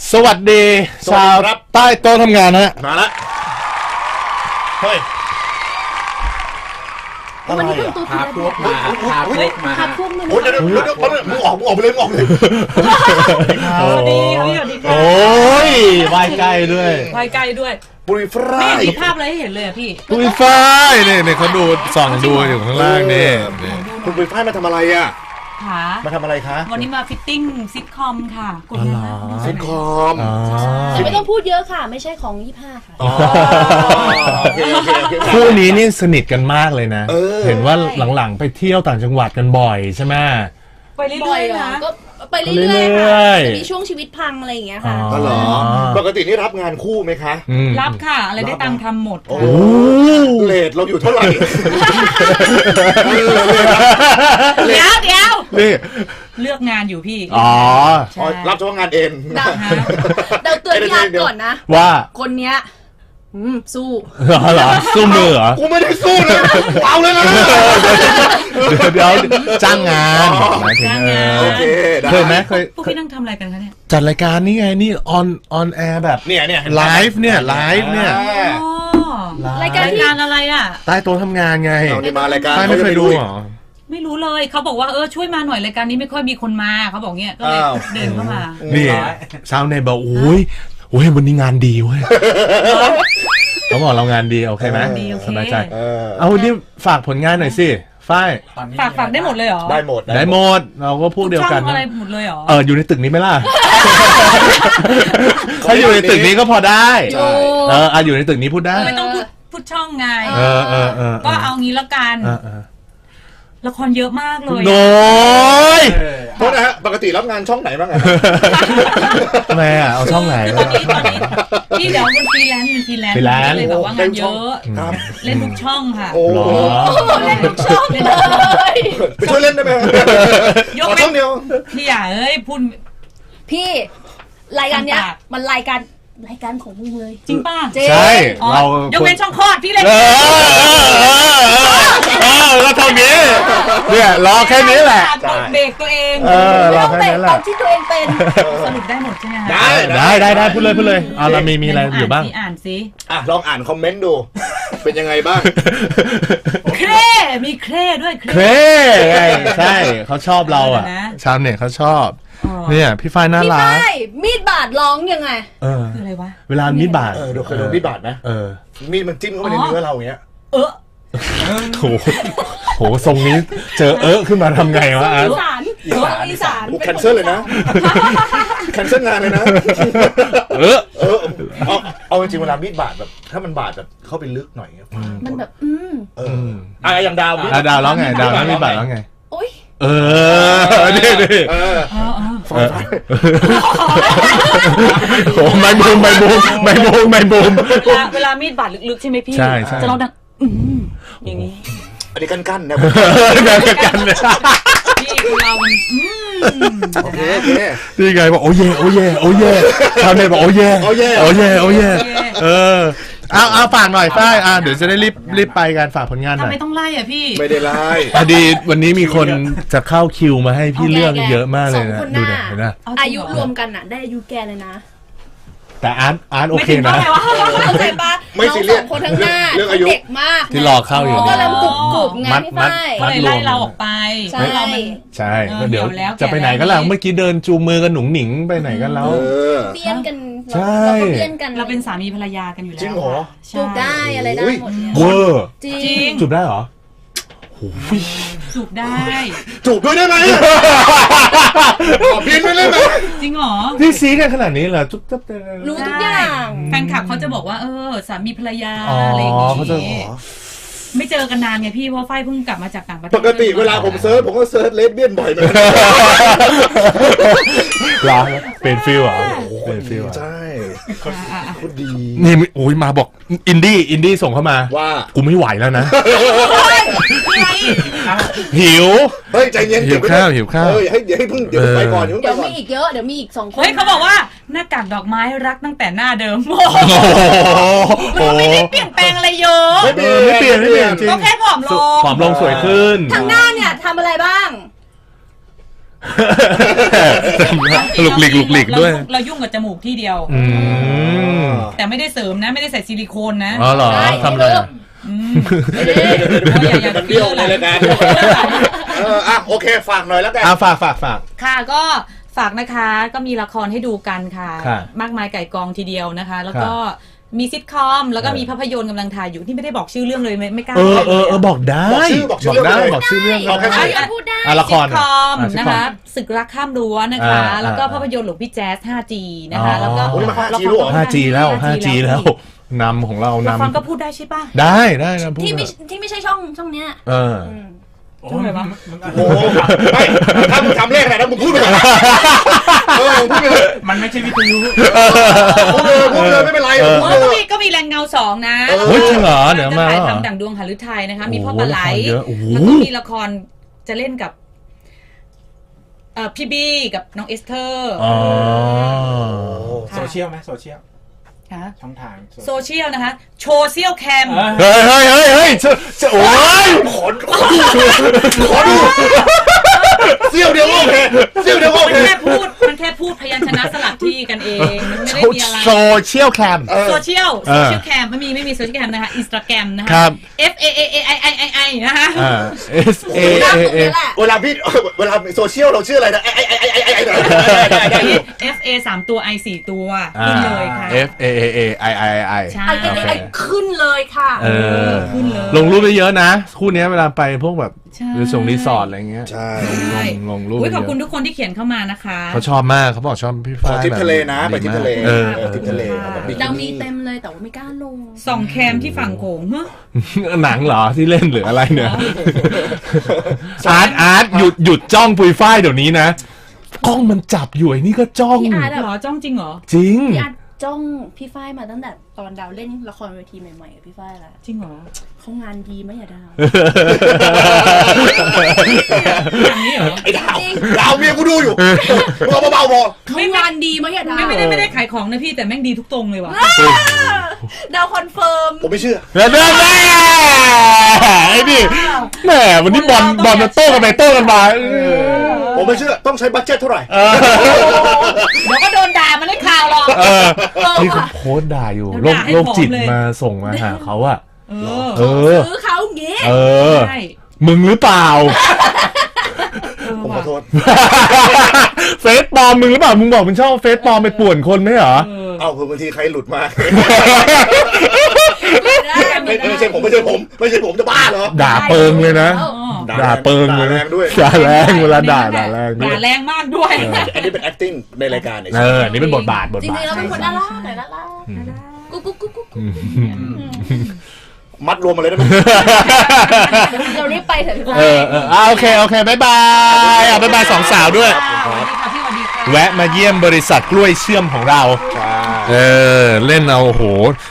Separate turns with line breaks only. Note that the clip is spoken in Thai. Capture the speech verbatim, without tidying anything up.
สวัสดีชาวใต้โต๊ะทำงานฮะ
มาละเฮ้ย
วันนี้เป็นตัวพาพวกมาพาพวกมาพาพวกมึง
โอ้ยเดี๋ยวเดี๋ยวเดี๋ยวมึงออกมึงออกไปเลยมึงออกไปเลย
สวัสดีครับสวัสดีครับ
โอ้ยวายใกล้ด้วย
วายใกล้ด้วย
ปุยฟราย
ไม่เห็นภาพอะไรให้เห็นเลยพี่
ปุยฝ้ายเนี่ยเนี่ยเขาดูส่องดูอยู่ข้างล่างนี่
คุณปุยฝ้ายมาทำอะไรอ่ะมาทำอะไรคะ
วันนี้มาฟิตติ้งซิทคอมค่ะกด
นะซิทคอม
แต่ไม่ต้องพูดเยอะค่ะไม่ใช่ของยี่ห้าค่ะ
คู่นี้นี่สนิทกันมากเลยนะเห็นว่าหลังๆไปเที่ยวต่างจังหวัดกันบ่อยใช่ไหม
ไปเรื่อยๆนะ
ก็ไปเรื่อยๆค่ะมีช่วงชีวิตพังอะไรอย่างเงี้ยค่ะ
ก็เหรอปกตินี่รับงานคู่ไหมคะ
รับค่ะอะไรได้ตังค์ทำหมด
โอ้เลทเราอยู่เท่าไหร่
เดี๋ยวเดี๋ยว
นี่
เลือกงานอยู่พี่
อ๋อ
รับเฉพาะงานเอง
เราเตือนญาติก่อนนะ
ว่า
คนเนี้ยสู้
เหรอสู้มือเหรอ
กูไม่ได้สู้เลยเอาเลยนะ
เดี๋ยวเดี๋ยวจ้างงานหมายถึง
โอเค
เคยไหมเคย
พวกพี่นั่งทำอะไรกันคะเนี่ย
จัดรายการนี่ไงนี่ออนออนแอร์แบบ
เนี่ยเนี่ย
ไลฟ์เนี่ยไลฟ์เนี่ย
รายการอะไรอ่ะ
ใต้โต๊ะทำงานไง
เอานี่มารายการ
ไม่เคยดูหรอ
ไม่รู้เลยเขาบอกว่าเออช่วยมาหน่อยรายการนี้ไม่ค่อยมีคนมาเขาบอกเงี้ยก็เลยเดินเข้ามา
นี่ชาวเน็ตบอกโอ้ยโอ้ยวันนี้งานดีเว้ยเขาบอกเรางานดีโอเคไหมสบายใจเอาดิฝากผลงานหน่อยสิฝ้าย
ฝากฝากได้หมดเลยเหรอ
ได้หมด
ได้หมดเราก็พวกเดียวกัน
อะไรหมดเลยเหรอ
เอออยู่ในตึกนี้ไหมล่ะถ้าอยู่ในตึกนี้ก็พอได้เอออยู่ในตึกนี้พูดได้
ไม่ต้องพูดพูดช่องไง
เออเออเออ
ก็เอางี้ละกันละครเยอะมากเลย
โน้ย
โทษนะฮะปกติรับงานช่องไหนบ้างอะ
แม่เอาช่องไหน
ตอนนี้ตอนนี้พี่เดี๋ยวเป็นฟรีแลนซ์เป็นฟรีแลนซ์เลยแบบว่างานเยอะเล่นทุกช่องค่ะ
โอ้
เล่นทุกช่องเลย
ไปช่วยเล่นได้ไหม
ยกช่องเดียวพี่อย่าเอ้ยพูด
พี่รายการเนี้ยมันรายการรายการของมึงเลย
จริงป่ะ
ใช่เรา
ยกเว้นช่องคลอดพี่เล่น
เออแล้วเท่านี้เนี่ยรอแค่นี้แหละ
เบรกตัวเอง
ไม่ต้องเบรกตอนที่ตัวเองเป็น
สรุปได้หมดใช่ไหม
ได้
ได้ได้ได้พูดเลยพูดเลยอ่าเรามีมีอะไรอยู่บ้าง
อ่านสิ
อ่ะลองอ่านคอมเมนต์ดูเป็นยังไงบ้าง
เคร่มีเคร่ด้วย
เคร่ใช่เขาชอบเราอ่ะชาวเน็ตเขาชอบเนี่ยพี่ฝ้ายน่ารัก
พี่ฝ้ายมีดบาดร้องยังไง
เออ
คืออะไรวะ
เวลามีดบาด
เออดูเคยโดนมีดบาดไหม
เออ
มีดมันจิ้มเข้าไปในเนื้อเราอย่างเงี้ย
เออ
โหโหทรงนี้เจอเออขึ้นมาทำไงวะ
อีสานอีสาน
แคนเซิลเลยนะแคนเซิลงานเลยนะ
เออ
เออเอาเอาจริงเวลามีดบาดแบบถ้ามันบาดแบบเข้าไปลึกหน่อย
มันแบบอืม
เอออ่ะอย่างดาว
ดาวร้องไงดาวแล้วมีดบาดร้องไง
โอ๊ย
เออนี่นี่
เออ
โอ้ไม่บูมไม่บูมไม่บูมไม่บูม
เวลาเวลามีดบาดลึกๆใช่ไหมพี่จะร้องดังอืมอย่างนี้
อันนี้กั้นๆนะ
กันๆเลย
พี่เรามัน
โอเคโอเค
นี่ไงบอกโอ้เย่โอ้เย่โอ้เย่ชาวเน็ตบอกโอ้เย่
โอ้เย่
โอ้เย่โอ้เย่เออเอาเอาฝากหน่อยฝ้ายอ่ะเดี๋ยวจะได้รีบรีบไปการฝากผลงานหน่อย
ทำไมต้องไล่อ่ะพี่
ไม่ได้ไล่
พอดีวันนี้มีคนจะเข้าคิวมาให้พี่เลือกเยอะมากเลยนะดูเห็นไหม
อายุรวมกันอ่ะได้อายุแกเลยนะ
แต่อาร์ตอาร์ตโอเคนะ
เข้าใจปะน้องสองคนทั้งหน้าเด็กมาก
ที่รอเข้าอยู่
ก็เริ่มกรุบกรุบไงพี่ฝ้าย
ก็เลยไล่เราออกไป
ใช่
ใช่เดี๋ยวจะไปไหนกันล่ะเมื่อกี้เดินจูงมือกันหนุ่งหนิงไปไหนกันแล้ว
เปี้ยนกัน
ใช่
เราเปี้ยนกัน
เราเป็นสามีภรรยากันอยู่แล้ว
จริงเหรอ
จูบได้อะไรได้หมด
เวอร์
จริง
จูบได้เหรอ
จูบได้
จูบด้วยได้ไหมขอพินไปเลยไหม
จริงเหรอ
ที่ซีกันขนาดนี้เหรอจุ๊บจับ
รู้ทุกอย่าง
แฟนคลับเขาจะบอกว่าเออสามีภรรยาอะไรอย่างงี้ไม่เจอกันนานไงพี่เพราะฝ้ายเพิ่งกลับมาจากต่างประเทศ
ปกติเวลาผมเซิร์ชผมก็เซิร์ชเลสเบี้ยนบ่อยเหมือนกัน
ร้านเป็นฟิลอ่ะเป็นฟิล
ใช่โคตรดี
นี่โอ้ยมาบอกอินดี้อินดี้ส่งเข้ามา
ว่า
กูไม่ไหวแล้วนะหิว
เฮ้ยใจเย็น
หิวข้าวหิวข้าว
เฮ้ยให้เดี๋ยวให้เพิ่งเดี๋ยวไปก่อน
เดี๋ยวมีอีกเยอะเดี๋ยวมีอีกสองคน
เฮ้ยเขาบอกว่าหน้ากากดอกไม้รักตั้งแต่หน้าเดิมโอ้ไม่ได้เปลี่ยนแปลงอะไรเยอะ
ไม่เปลี่ยนไม่เปลี่ยนไม่เปลี่ยนจริง
ก็แค่ผอมลง
ผอมลงสวยขึ้น
ทางหน้าเนี่ยทำอะไรบ้าง
หลุกหลิกหลุกหลิกด้วย
เรายุ่งกับจมูกที่เดียว
อืม
แต่ไม่ได้เสริมนะไม่ได้ใส่ซิลิโคนนะ
อ๋อเหรอทำอะไรอ่ะ
อืม
เดี๋ยวเดี๋ยวเดี๋ยวเดี๋ยวเดี๋ยวมันเบี้ยวในรายการเอออ่ะโอเคฝากหน่อยแล้วกัน
อ่ะฝากฝากฝาก
ค่ะก็ฝากนะคะก็มีละครให้ดูกันค่ะ
ค่ะ
มากมายไก่กองทีเดียวนะคะ แล้วก็
ค่ะ
มีซิทคอมแล้วก็
เออ
มีภาพยนตร์กำลังถ่ายอยู่ที่ไม่ได้บอกชื่อเรื่องเลยไม่ไม่กล้า
เออ
บอก
เออเออบอกได้
บอกชื่อบอกชื่อ
ได้
เรื่องเลย
บอกชื่อเรื่อง
เอาแค่
ได้
ชื่อ
พูดได้
อ่ะละค
ซิ
ร
ทคอม
อ่ะซิท
นะ
คอม
คะศึกรักข้ามรั้วนะคะ
อ่า
แล้วก็
อ่า
ภาพยนตร์หลวงพี่แจ๊ส ห้าจี นะคะ
อ๋อ
แล้วก็
โอ้นี่มัน
ละค
ห้าจี
ร
แล้วเหรอ
ห้าจีแล้ว ห้าจี
จี
แล้วนำของเรา
ละคร
นำ
ก็พูดได้ใช่ป่ะ
ได้ได้นะพูด
ที่ไม่
เถอะ
ที่ไม่ใช่ช่องช่องเนี้ย
เออ
อืม
โอ้ยมันมัน
โอ้โหไม่ถ้ามึงทำเลขอะไรนะมึงพูดไปก่อนเออพูดไปเลย
มันไม่ใช่วิทยุ
พูดเลยพูดเลยไม่เป็นไร
เออ
พูด
ก็
เล
มี
ย
ก็มีแรงเงาสองนะ
เออ
เฮ้ยจริงเหรอเดี๋ยว
จะ
มา
ถ่าย
เหรอ
ทำดั่งดวงหฤทัยนะคะ มีพ่อ
โอ้โห
ปลาไหล
ละครเยอะโอ้โห
แล้วก็มีละครจะเล่นกับเอ่อพี่บี้กับน้องเอสเธอร์
อ๋อ
โซเชียลไหมโซเชียล
ค่ะ
ช่องทาง
โซเชียลนะคะ โชว์เซียลแคม
เออ
เฮ้ยเฮ้ยเฮ้ยเฮ้ยจะจะโอ้ย
ขอขอดูขอดูเสี้ยวเดียวก็โอเคเสี้ยวเดียวก็โอ
มัน
เค
แค่พูด มันแค่พูดพยัญชนะสลับที่กันเอง มันไม่ได้มีอะไร
โซเชียลแคม
เออ
โซเชียล
เอ
โซ
อ
เชียลแคมไม่มีไม่มีโซเชียลแคมนะคะอินสตาแกรมนะคะ
ครับ
F A A A I I I I นะคะ
อ่า S A
หน้า
A
ตรง
A
นี้แหละ
เวลาพี่เวลาโซเชียลเราชื่ออะไรนะไอ้ไอ้ไอ้ไอ้ไอ้ไอ้ได้ได้ได้อยู่
F A สามตัว I สี่ตัวขึ้นเลยค่ะ
F A A A I I I
ใช่
ไอ้ไอ้ไอ้ขึ้นเลยค่ะ
เออ
ขึ้นเลย
ลงรูปได้เยอะนะ คู่เนี้ยเวลาไปพวกแบบ
ใช่
หรือส่งรีสอร์ทอะไรเงี้ย
ใช่
ลงลงรูป
อุ๊ย
เย
ขอบคุณ
อะ
ทุกคนที่เขียนเข้ามานะคะ
เขาชอบมากเขาบอกชอบพี่
ขอ
ฟ้าย
ทริป
แบบ
ทะเลนะไปทริปทะเล
เออ
เออทริปทะเลแบบบิกิ
เรามี
นี่
เต็มเลยแต่ว่าไม่กล้าลง
ส่องแคมที่ฝั่งโขงเฮ้ย
หนังเหรอที่เล่นหรืออะไรเนี่ยอาร์ตอาร์ตหยุดหยุดจ้องปุยฝ้ายเดี๋ยวนี้นะกล้องมันจับอยู่ไอ้นี่ก็จ้อง
พี่อาร์ต
เหรอจ้องจริงเหรอ
จริง
พี่อาร์ตจ้องพี่ฝ้ายมาตั้งแต่ตอนดาวเล่นละครเวทีใหม่ๆกับพี่ฝ้ายแล้ว
จริงเหรอ
เขางานดีไหมอย่าดาว
อย่างนี้เหรอ
ไอ้ดาวดาวเมียกูดูอยู่เบาเบาๆพอ
เขางานดีไหมอย่าดาว
ไม่ไม่ได้ไม่ได้ขายของนะพี่แต่แม่งดีทุกตรงเลยว่ะ
ดาวคอนเฟิร์ม
ผมไม่เชื่อ
แน่แน่ไอ้นี่แหมวันนี้บอลบอลมาโต้กันไปโต้กันมาเออ
ผมไม่เชื่อต้องใช้บัตเจ็ตเท่าไหร่
เออ
เดี๋ยวก็โดนด่ามันได้ข่าวหรอก
เออนี่เขาโพสต์ด่าอยู่โรค
ด่าให้
โรคจิต
ผอมเลย
มาส่งมาหาเขาอะ
เออ
เออ
ซื้อเขาอย่างงี้
เออ
ใช่
มึงหรือเปล่า
เออ
ผมขอ
ว่ะ
โทษ
เฟซปลอมมึงหรือเปล่ามึงบอกมึงชอบเฟซปลอมไปป่วนคนไหมเหรอ
เออ
เอาคือบางทีใครหลุดมา
ไม่ได้
ไม่ไม่ใช่ผมไม่ใช่ผมไม่ใช่ผมจะบ้าเหรอ
ด่าเปิงเลยนะ
อ๋อ
ด่าเปิงเลย
ด่าแร
นะ
งด้วย
ด่าแรงเวลาด่าด่าแรงด้ว
ด่าย แรงมากด้วย
อันนี้เป็น acting ในรายการเนี่ย
เอออันนี่เป็นบทบาทบท
จริ
บาท
งๆแล้วเป็นคนน่ารักแต่น่ารักกุ๊กกุ๊กกุ๊กกุ๊ก
มัดรวมมาเลยได้ไหม
เรารีบไปเถอะพี่
เอ
ฝ้าย
อเอออ่ะโอเคโอเคบายบายอ่ะบายบายสองสาวด้วย
สวัสดีค่ะพี่สวัสดีค่ะ
แวะมาเยี่ยมบริษัทกล้วยเชื่อมของเรา
ใช่
เออ เล่นเอาโอ้โห